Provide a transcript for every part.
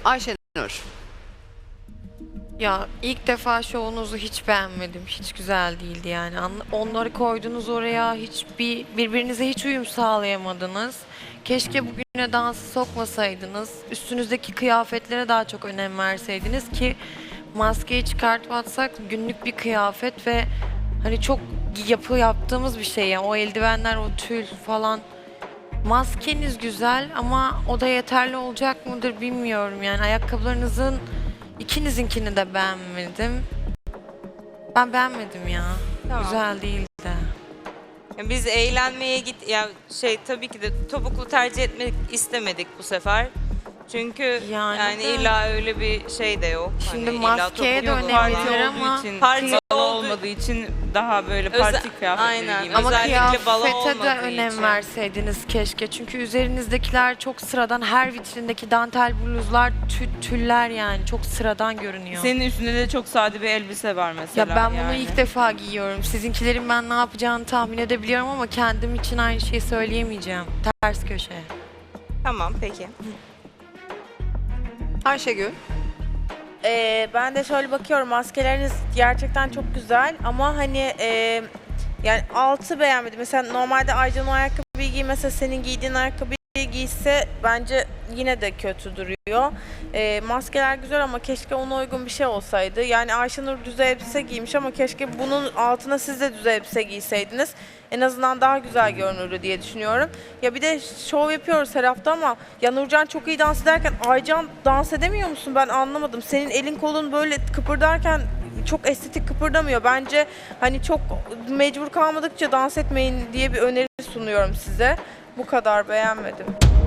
Ayşenur. Ya ilk defa şovunuzu hiç beğenmedim. Hiç güzel değildi yani. Onları koydunuz oraya. Birbirinize hiç uyum sağlayamadınız. Keşke bugüne dansı sokmasaydınız. Üstünüzdeki kıyafetlere daha çok önem verseydiniz ki maskeyi çıkartıp atsak günlük bir kıyafet ve hani çok yaptığımız bir şey yani. O eldivenler, o tül falan. Maskeniz güzel ama o da yeterli olacak mıdır bilmiyorum yani. Ayakkabılarınızın İkinizinkini de beğenmedim. Ben beğenmedim ya. Tamam. Güzel değildi. Yani biz eğlenmeye tabii ki de topuklu tercih etmek istemedik bu sefer. Çünkü Yani yani de- illa öyle bir şey de yok. Şimdi Hani illa maskeye de topuklu önem var. verilir ama Parti olmadığı için daha böyle parti kıyafetleri aynen. giymek. ama Özellikle balo kıyafete de olmadığı önem için. verseydiniz keşke. Çünkü üzerinizdekiler çok sıradan. Her vitrindeki dantel bluzlar, tüller yani çok sıradan görünüyor. Senin üstünde de çok sade bir elbise var mesela. Ya ben bunu yani. ilk defa giyiyorum. Sizinkilerin ben ne yapacağını tahmin edebiliyorum ama kendim için aynı şeyi söyleyemeyeceğim. Ters köşe. Tamam peki. Ayşegül. Ben de şöyle bakıyorum, maskeleriniz gerçekten çok güzel ama hani yani altı beğenmedim. Mesela normalde Aycan o ayakkabıyı giymese, senin giydiğin ayakkabıyı giyse bence yine de kötü duruyor. Maskeler güzel ama keşke ona uygun bir şey olsaydı. Yani Ayşenur düz elbise giymiş ama keşke bunun altına siz de düz elbise giyseydiniz. En azından daha güzel görünürdü diye düşünüyorum. Ya bir de şov yapıyoruz her hafta ama ya Nurcan çok iyi dans ederken Aycan dans edemiyor musun? Ben anlamadım. Senin elin kolun böyle kıpırdarken çok estetik kıpırdamıyor. Bence hani çok mecbur kalmadıkça dans etmeyin diye bir öneri sunuyorum size. Bu kadar, beğenmedim.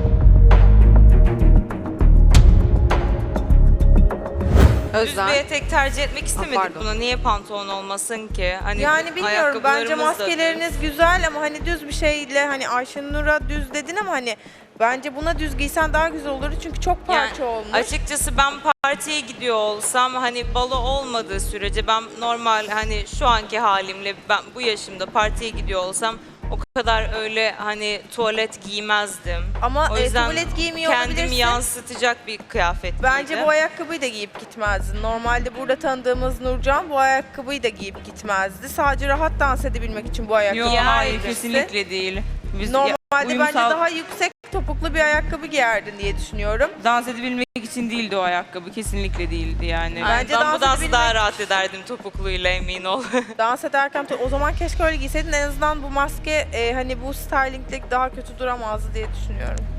Düz Özlem. bir etek tercih etmek istemedik pardon. buna. Niye pantolon olmasın ki? Hani Yani bilmiyorum, bence ayakkabılarımız da maskeleriniz güzel ama hani düz bir şeyle, hani Ayşenur'a düz dedin ama hani bence buna düz giysen daha güzel olurdu çünkü çok parça olmuş. Açıkçası ben partiye gidiyor olsam hani balo olmadığı sürece ben normal hani şu anki halimle ben bu yaşımda partiye gidiyor olsam o kadar öyle hani tuvalet giymezdim. Ama O yüzden tuvalet giymiyor kendimi olabilirsin. yansıtacak bir kıyafet Bence giydim. bu ayakkabıyı da giyip gitmezdin. Normalde burada tanıdığımız Nurcan bu ayakkabıyı da giyip gitmezdi. Sadece rahat dans edebilmek için bu ayakkabıyı Yok hayır giymişti. kesinlikle değil. Biz Normalde bence uyumsal daha yüksek topuklu bir ayakkabı giyerdin diye düşünüyorum. dans edebilmek için değildi o ayakkabı. Kesinlikle değildi yani. Ay, Bence ben dans bu dansı daha edebilmek- rahat ederdim topukluyla emin ol. Dans ederken o zaman keşke öyle giyseydin. En azından bu maske hani bu stylingle daha kötü duramazdı diye düşünüyorum.